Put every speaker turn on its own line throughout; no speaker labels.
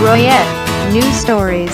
Royette News Stories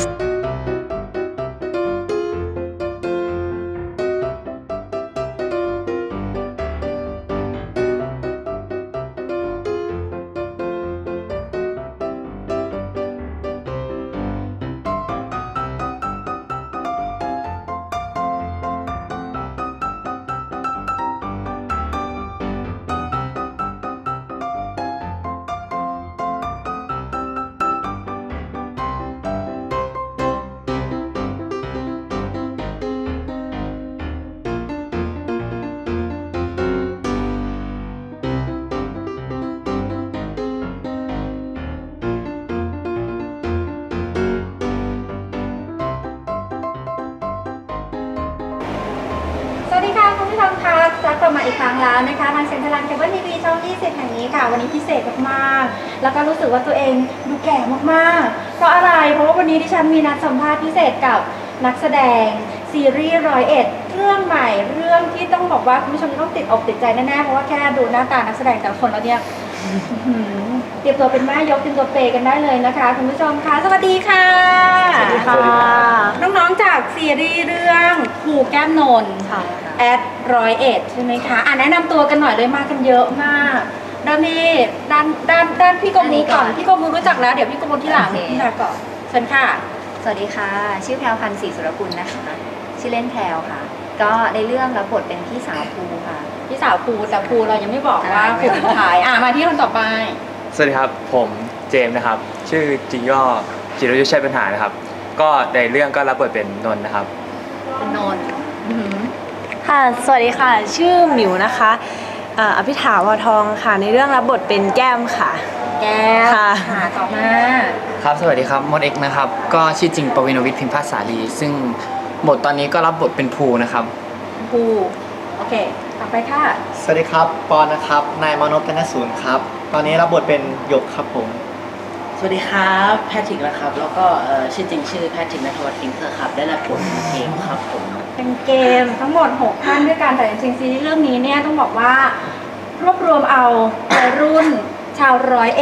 สวัสดีค่ะคุณผู้ชมคะกลับมาอีกครั้งแล้วนะคะทางเซ็นทรัลเคเบิลทีวีช่อง20แห่งนี้ค่ะวันนี้พิเศษมากๆแล้วก็รู้สึกว่าตัวเองดูแก่มากๆเพราะอะไรเพราะว่าวันนี้ดิฉันมีนัดสัมภาษณ์พิเศษกับนักแสดงซีรีส์101เรื่องใหม่เรื่องที่ต้องบอกว่าคุณผู้ชมต้องติดอกติดใจแน่ๆเพราะว่าแค่ดูหน้าตานักแสดงแต่ละคนแล้วเนี่ยเตรียมตัวเป็นแม่ยกเตรียมตัวเปย์กันได้เลยนะคะคุณผู้ชมคะสวัสดีค่ะสวัสดีค่ะน้องๆจากซีรีส์เรื่องครูแก้มนนท์แอด101ใช่ไหมคะแนะนำตัวกันหน่อยเลยมากันเยอะมากเริ่มที่ด้านพี่กมูก่อนพี่กมูรู้จักแล้วเดี๋ยวพี่กมูที่หลังพี่นาก่อนเชิญค่ะ
สวัสดีค่ะชื่อแพรวพันธ์ศรีสุรกุลนะคะชื่อเล่นแพรวค่ะก็ในเรื่องรับบทเป็นพี่สาวภูค่ะ
พี่สาวภูแต่ภูเรายังไม่บอกว่าภูเป็นใครมาที่คนต่อไป
สวัสดีครับผมเจมส์นะครับชื่อจริงย่อจิรยุทธชัยปัญหานะครับก็ในเรื่องก็รับบทเป็นนนท์นะครับ
เป็นนนท์
ค่ะสวัสดีค่ะชื่อหมิวนะคะอภิถาวรทองค่ะในเรื่องรับบทเป็นแก้มค่ะ
แก้ม
ค่ะ
ต่อมา
ครับสวัสดีครับมดเอ็กนะครับก็ชื่อจริงปวินวิทย์พิมพาสาลีซึ่งบทตอนนี้ก็รับบทเป็นภูนะครับ
ภูโอเคต่อไปค่ะ
สวัสดีครับปอนนะครับนายมานพธนศูนย์ครับตอนนี้รับบทเป็นหยกครับผม
สวัสดีครับแพทริกนะครับแล้วก็ชื่อจริงชื่อแพทริกณัฐวัฒน์ฟิงเกอร์ครับได้รับบทเป็นเกมครับผม
เป็นเกมทั้งหมด6ท่านด้วยกันแต่จริงๆซีรีส์เรื่องนี้เนี่ยต้องบอกว่ารวบรวมเอาวัยรุ่นชาว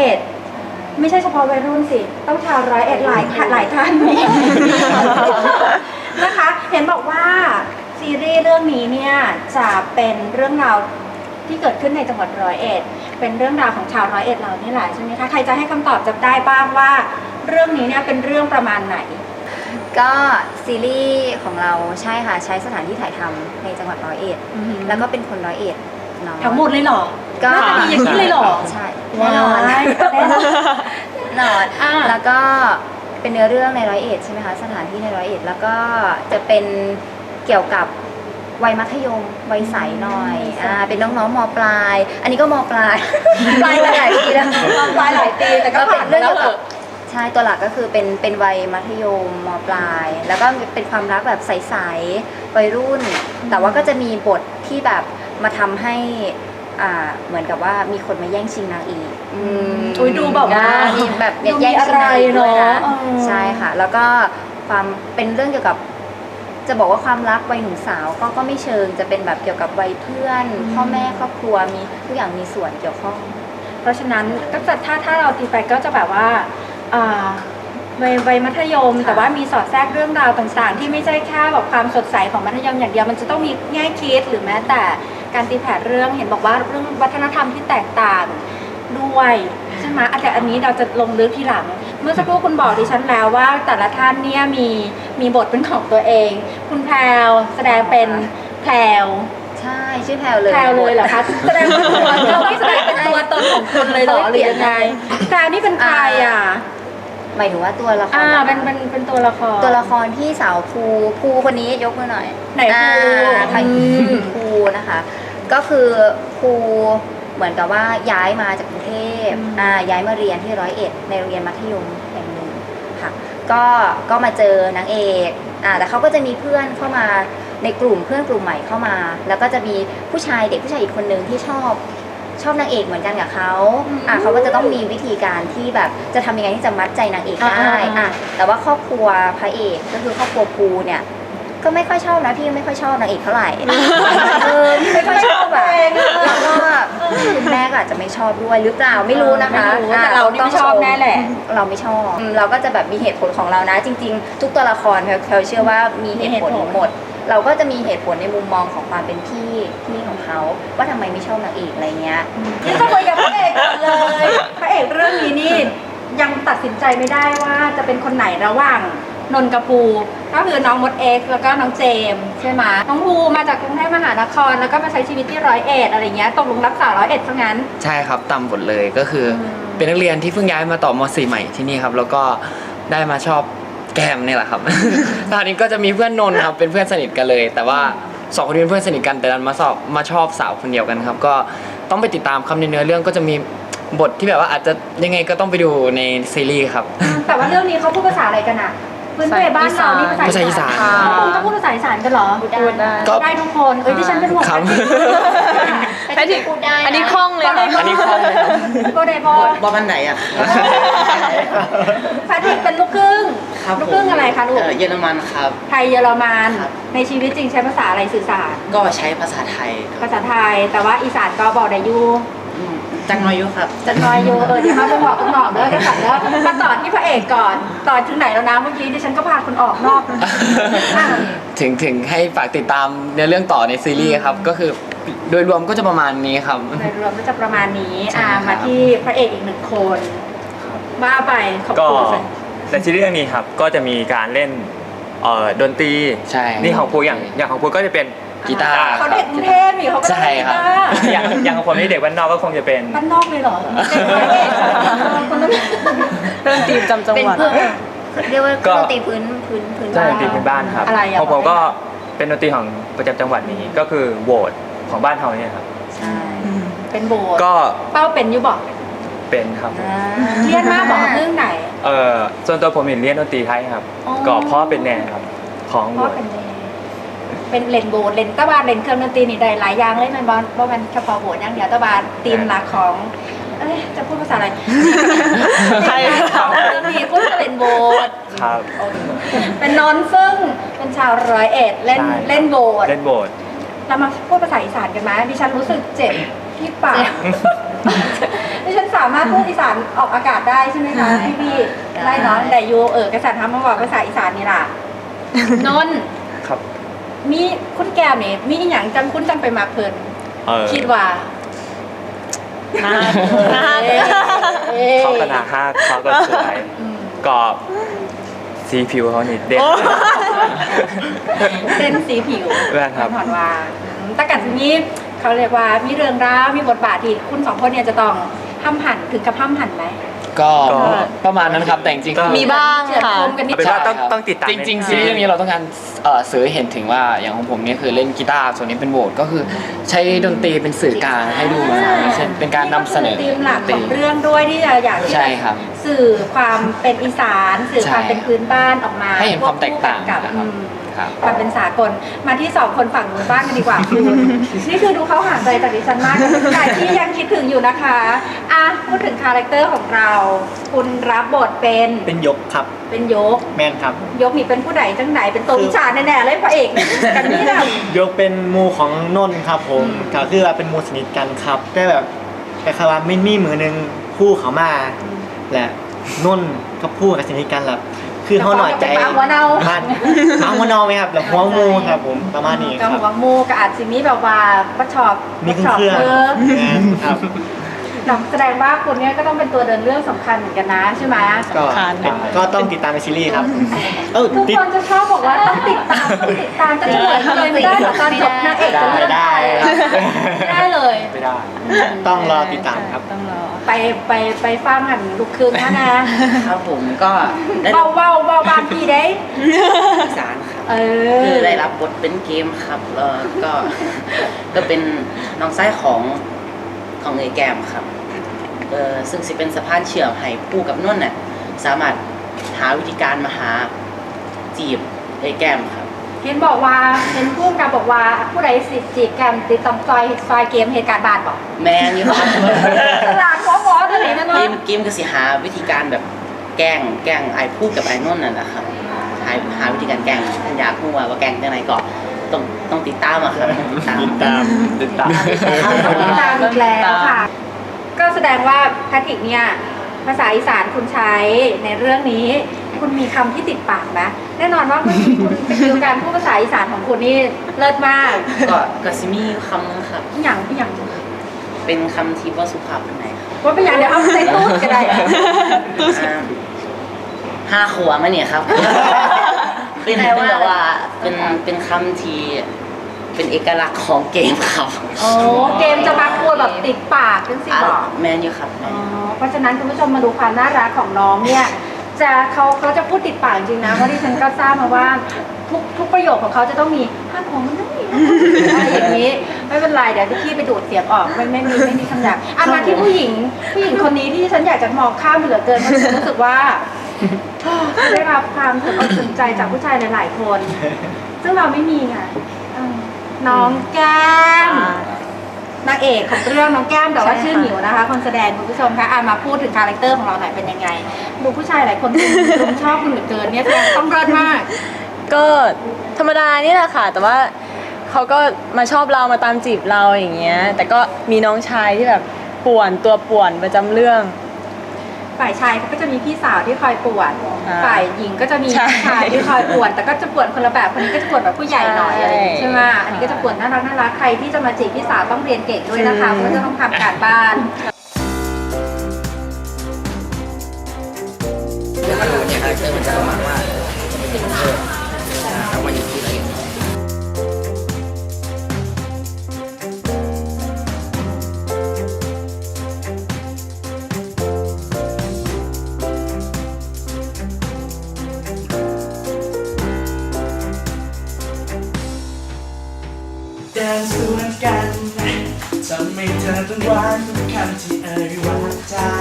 101ไม่ใช่เฉพาะวัยรุ่นสิต้องชาว101หลายท่านนะคะเห็นบอกว่าซีรีส์เรื่องนี้เนี่ยจะเป็นเรื่องราวที่เกิดขึ้นในจังหวัด101เป็นเรื่องราวของชาว101เรานี่แหละใช่ไหมคะใครจะให้คำตอบจะได้บ้างว่าเรื่องนี้เนี่ยเป็นเรื่องประมาณไหน
ก็ซีรีส์ของเราใช่ค่ะใช้สถานที่ถ่ายทำในจังหวัด101แล้วก็เป็นคน101เนาะ
ทั้งหมดเลยเหรอ
ก็
ดีอย่างนี้เลยเหรอ
ใช่แน่นอนแล้วก็เป็นเนื้อเรื่องใน101ใช่ไหมคะสถานที่ใน101แล้วก็จะเป็นเกี่ยวกับวัยมัธยมวัยใสหน่อยเป็นน้องๆม.ปลายอันนี้ก็ม.ปลายปลายมาหลายปีแล้ว
ม.ปลายหลายปีแต่ก็
เป็นเรื่องเกี่ยวกับใช่ตัวหลักก็คือเป็นวัยมัธยมม.ปลายแล้วก็เป็นความรักแบบใสๆวัยรุ่นแต่ว่าก็จะมีบทที่แบบมาทำให้เหมือนกับว่ามีคนมาแย่งชิงนางเอก
ดูแบบว่า
มีแบบแย่งชิงนางเอกด้วยนะใช่ค่ะแล้วก็ความเป็นเรื่องเกี่ยวกับจะบอกว่าความรักวัยหนุ่มสาวก็ไม่เชิงจะเป็นแบบเกี่ยวกับวัยเพื่อนพ่อแม่ครอบครัวมีทุกอย่างมีส่วนเกี่ยวข้อง
เพราะฉะนั้นก็จะถ้าเราตีไปก็จะแบบว่าวัยมัธยมแต่ว่ามีสอดแทรกเรื่องราวต่างๆที่ไม่ใช่แค่แบบความสดใสของมัธยมอย่างเดียวมันจะต้องมีแง่คิดหรือแม้แต่การตีแผ่เรื่องเห็นบอกว่าเรื่องวัฒนธรรมที่แตกต่างด้วยใช่ไหมแต่อันนี้เราจะลงลึกทีหลังเมื่อสักครู่คุณบอกดิฉันแล้วว่าแต่ละท่านเนี่ยมีบทเป็นของตัวเองคุณแพรวแสดงเป็นแพรว
ใช่ชื่อแพรวเลย
เหรอคะแสดงเป็นตัวเราไม่แสดงเป็นตัวตนของคุณเลยเหรอหรือยังไงแพรวนี่เป็นใคร
หมายถึงว่าตัวละคร
เป็นตัวละ
ครที่สาวภูคนนี้ยกมือหน่อย
ไหน
ภูนะคะก็คือภูเหมือนกับว่าย้ายมาจากกรุงเทพย้ายมาเรียนที่101ในโรงเรียนมัธยมแห่งหนึ่งค่ะก็มาเจอนางเอกแต่เขาก็จะมีเพื่อนเข้ามาในกลุ่มเพื่อนกลุ่มใหม่เข้ามาแล้วก็จะมีเด็กผู้ชายอีกคนนึงที่ชอบนางเอกเหมือนกันกับเขาเขาก็จะต้องมีวิธีการที่แบบจะทำยังไงที่จะมัดใจนางเอกได้แต่ว่าครอบครัวพระเอกก็คือครอบครัวภูเนี่ยก็ไม่ค่อยชอบนะพี่ไม่ค่อยชอบนางเอกเท่าไหร่ไม่ค่อยชอบแบบแล้วก็คุณแม่ก็อาจจะไม่ชอบด้วยหรือเปล่าไม่รู้นะคะ
ไม่รู้แต่เรานี่ไม่ชอบแน่แหละ
เราไม่ชอบเราก็จะแบบมีเหตุผลของเรานะ จริง ๆ ทุกตัวละครเขาเชื่อว่ามีเหตุผลหมด เราก็จะมีเหตุผลในมุมมองของความเป็นพี่ของเขาว่าทำไมไม่ชอบนางเอกอะไรเงี้ย
นี่จะคุยกับพระเอกก่อนเลยพระเอกเรื่องนี้นี่ยังตัดสินใจไม่ได้ว่าจะเป็นคนไหนระหว่างนนท์กับภูก็คือน้องมดเอ็กซ์แล้วก็น้องเจมส์ใช่ไหมน้องภูมาจากกรุงเทพมหานครแล้วก็มาใช้ชีวิตที่101อะไรเงี้ยตกลงรักษา101ซะงั้น
ใช่ครับตามบทเลยก็คือเป็นนักเรียนที่เพิ่งย้ายมาต่อม .4 ใหม่ที่นี่ครับแล้วก็ได้มาชอบแก้มนี่แหละครับ ตอนนี้ก็จะมีเพื่อนนนท์ครับเป็นเพื่อนสนิทกันเลย แต่ว่าสองคนนี้เป็นเพื่อนสนิทกันแต่ดันมาชอบสาวคนเดียวกันครับก็ต้องไปติดตามคำในเนื้อเรื่องก็จะมีบทที่แบบว่าอาจจะยังไงก็ต้องไปดูในซีรีส์ครับ
แต่ว่าเรื่องนี้เขาพูดภาษาอะไรกันอะพื้นเพบ้านเรานี่ภาษาอีสาน
ภาษาอีสาน
คุณต้องพูดภาษาอีสานกันเหรอ
พูดได้
ได้ทุกคนเอ้ยที่ฉันเป็นห่วง
ครับ
แพทริกพูดได้นะ
อันนี้คล่องเลยค่ะ
อันนี้คล่องเลยครับ
โบเดโบ
ว่าบ้านไหนอ่ะ
แพทริกเป็นลูกครึ่ง
ครับ
ลูกครึ่งอะไรคะลูก
เยอรมันครับ
ไทยเยอรมัน
ครับ
ในชีวิตจริงใช้ภาษาอะไรสื่อสาร
ก็ใช้ภาษาไทยครับ
ภาษาไทย แต่ว่าอีสานก็บอกได้อยู่
จังน้อยยุครับ
จะน้อยอยู่เดี๋ยวมาไปบอกคุณหมอเด้อได้ค่ะแล้วมาต่อที่พระเอกก่อนต่อถึงไหนแล้วนะเมื่อกี้ดิฉันก็พาคุณออกนอกอ่ะ
ถึงให้ฝากติดตามในเรื่องต่อในซีรีส์ครับก็คือโดยรวมก็จะประมาณนี้ครับ
โดยรวมก็จะประมาณนี้
ใช่ครับ
มาที่พระเอกอีกหนึ่งคนว่าไปขอบ
ก็
คุณ
ในซีรีส์เรื่องนี้ครับก็จะมีการเล่นดนตรี
ใช่
นี่ของภูอย่างของภูก็จะเป็น
กีตาร์
เขาเด็กกรุงเทพนี่เขาก็
ใช่
เล่น
ครับ
กีตาร์
อย่างของผมนี่เด็กบ้านนอกก็คงจะเป็น
บ้านนอกเลยเหรอเป็นพระเอกคนนั้น
เรื่องทีมจำจัง
เป็น
หวัด
เพื่อนเรียกว่า
ก็
ดนตรีพื้น
ใช่
บ้าน
ดนตรีพื้นบ้านครับ
อะไรอ่ะ
ของผมก็เป็นดนตรีของประจำจังหวัดนี้ก็คือโหวตของบ้านเราเนี่ยครับ
ใช่
เป็นโบสถ์
ก็
เป้าเป็นอยู่บอก
เป็นครับผม
เรียนมากบอกเรื่องไหน
ส่วนตัวผมเห็นเรียนดนตรีไทยครับ
อ๋อ
ก็เพราะเป็นแนวครับของ
เพ
โหว
ราะ
ต
เป็นเป็นเลนโบสถ์เลนตะวันเลนเครื่องดนตรีนี่ได้หลายอย่างเลยมันบอลเพราะมันเฉพาะโบสถ์อย่างเดียวตะวันธีมหลักของเอ้ยจะพูดภาษาอะไร
ไทย
ของเรื่องนี้พูดเลนโบสถ์
ครับ
เป็นนนท์ซึ่งเป็นชาว101เล่น
ใช่
เล่นโบสถ์
เล่นโหวต
เรามาพูดภาษาอีสานกันไหมดิฉันรู้สึกเจ็บที่ปากดิฉันสามารถพูดอีสานออกอากาศได้ใช่ไหมคะพี่ได้เนาะแต่ยูกษัตริย์ทำมาบอกภาษาอีสานนี่ล่ะนนท์
ครับ
มีคุณแก้มนี่มีอหย่างจังคุณจังไปมาเพลิน คิดว่า
น่า
เขาก็หนาฮักเขาก็สวยก็สีผิวเขานี่เด่น
เส้นสีผิว
แม่นครับ
ถอนว่าแต่กันทีนี้เขาเรียกว่ามีเรื่องราวมีบทบาทที่คุณสองคนเนี่ยจะต้องห้ามหันถึงกับห้ามหันไหม
ก็ประมาณนั้นครับแต่จริงๆ
ก็
คือ
มีบ้าง
เฉือด
ค่ะ
คมกันนิด
เอาเป็นว่า
หน่อย
ต้องติดตาม
จริงๆซีรีส์เรื่องนี้เราต้องการสื่อให้เห็นถึงว่าอย่างของผมเนี่ยคือเล่นกีตาร์ส่วนนี้เป็นโหวตก็คือใช้ดนตรีเป็นสื่อกลางให้ดูมาใช่เป็นการนำเสนอ
ธีมหลักของเรื่องด้วยที่จะอยากที่
ใช่
จะ
ครับ
สื่อความเป็นอีสานสื่อความ
ใช่
เป็นพื้นบ้านออกมา
ให้เห็นความแตกต่าง
กับ
นะครับ ครับ
ความเป็นสากลมาที่สองคนฝั่งนู้นบ้างกันดีกว่าคุณนี่คือดูเขาห่างไกลจากดิฉันมากใครที่ยังคิดถึงอยู่นะคะอ่ะพูดถึงคาแรคเตอร์ของเรา คุณรับบทเป็น
เป็นยกครับ
เป็นยก
แมนครับ
ยกนี่เป็นผู้ใดจังไหนเป็นตัววิชาแน่ๆเลยพระเอกกันนี่แหละ
ยกเป็นหมูของนนท์ครับผมก็คือว่าเป็นหมูสนิทกันครับแต่แบบแต่คำว่าไม่มีมือหนึงคู่เขามาและนนท์กับผู้กับสนิทกันแหละคือเขาหน่อยใจ
แต่ความหัวเน่า
บ้านเอาหัวเนาไหมครับแล้วหัวงูครับผมประมาณนี้ค
กับ
รับ
หัวมูกับอาจสิมีแบบว่าประชอบ
มีเครื่อง ครับ
แสดงว่าคนเนี้ยก็ต้องเป็นตัวเดินเรื่องสำคัญเหมือนกันนะใช่ไหม
ก็
ผ่านได้
ก็ต้องติดตามในซีรีส์ครับ
ทุก
ติด
คนจะชอบบอกว่าต้องติดตามจะเฉลยเลยไม่ได้หรอกตอนจบนางเอกจะเลือก
ได้
ไม่ได้เลย
ไม่ได้
ต้องรอติดตามครับ
ต้องรอ
ไปฟังหันลูกครึ่งนะนะครับ
ผมก็ได้
เบาบ้านพี่ได้
อีสานครับ
เออ
คือได้รับบทเป็นเกมครับก็ ก็เป็นน้องไส้ของเอยแกมครับซึ่งสิเป็นสะพานเชื่อมให้ผู้กับนุ่นน่ะสามารถหาวิธีการมาหาจีบเอยแกมครับ
เห็นบอกว่าเห็นพุ่งกับบอกว่าผู้ใดสิจีบกันติดต่อซอยเกมเหตุการณ์บานบอก
แมนอยู่ครับ
ตลาดหัวหมอตัวไหนนั่น
เก
เนาะ
มก็สิหาวิธีการแบบแกล้งไอ้ผู้กับไอ้นุ่นน่ะนะครับหาวิธีการแกล้งอยากรู้ว่าแกล้งจังไหนก็ต้องติดตามอะครับติดตาม
ติดตาม
ติดตาม
ตามอีกแล้วค่ะก็แสดงว่าแพทริกเนี่ยภาษาอีสานคุณใช้ในเรื่องนี้ คุณมีคำที่ติดปากไหมแน่นอนว่าเมื่อกี้คุณสกิลการพูดภาษาอีสานของคุณนี่เลิศมาก
ก็สิมีคำนึงครับ
อย่าง
เป็นคำที่ว่าสุภาพเป็นไหนครับ
ว่าเป็นอย่างเดี๋ยวเอาใส่ตู้ก็ได้อะ
ห้าขวบมาเนี่ยครับ เป็น
แปลว่า
แบบว่าเป็นคำที่เป็นเอกลักษณ์ของเกมครับ
โอ้เกมจะมาพูดแบบติดปากจังสิบอก
แมนอยู่ครับ
อ๋อเพราะฉะนั้นคุณผู้ชมมาดูความน่ารักของน้องเนี่ยเขาจะพูดติดปากจริงนะเพราะที่ฉันก็ทราบมาว่าทุกประโยคของเขาจะต้องมีห้าของมันต้องมีอะไรอย่างนี้ไม่เป็นไรเดี๋ยวจะขี้ไปดูดเสียงออกไม่มีคำหยาบอันมาที่ผู้หญิงคนนี้ที่ฉันอยากจะมองข้ามไปเหลือเกินเพราะฉันรู้สึกว่าได้รับความสนใจจากผู้ชายหลายๆคน ซึ่งเราไม่มีไงน้องแก้มนางเอกของเรื่องน้องแก้มแต่ว่าชื่อหมิวนะคะคนแสดงคุณผู้ชมคะมาพูดถึงคาแรคเตอร์ของเราหน่อยเป็นยังไงดูผู้ชายหลายคนรุมชอบคุณเหลือเกินเนี่ยแสดงต้องเลิศมาก
ก็ธรรมดานี่แหละค่ะ แต่ว่าเขาก็มาชอบเรามาตามจีบเราอย่างเงี้ย แต่ก็มีน้องชายที่แบบป่วนตัวป่วนประจำเรื่อง
ฝ่ายชายเขาก็จะมีพี่สาวที่คอยป่วน
อ่า
ฝ่ายหญิงก็จะมี
ใช่
พี่ชายที่คอยป่วน แต่ก็จะป่วนคนละแบบคนนี้ก็จะป่วนแบบผู้ใหญ่หน่อยอะไรอย่างงี้ใช่ไหมอันนี้ก็จะป่วนน่ารักใครที่จะมาจีบพี่สาวต้องเรียนเก่งด้วยนะคะเพราะว่าจะต้องทำการบ้าน
แดนสวนกันทำให้เธอต้องหวานทุกคำที่เอ่ยวาจา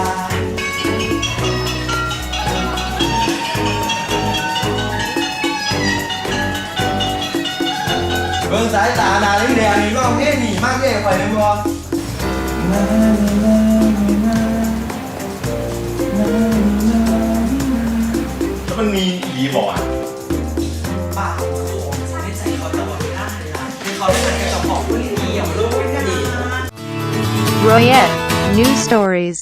เบิ่งสายตาหนาลิ้นแดงนี่ร้องเพลงนี่มากเย่ข่อยเลยบ่แล้วมันมีอีบอกอ่ะป้าของในใจเขาจะบอกได้ละเขาได้เป็นเจ้าของผู้นี้อย่างรู้ไม่ดี
Royette News Stories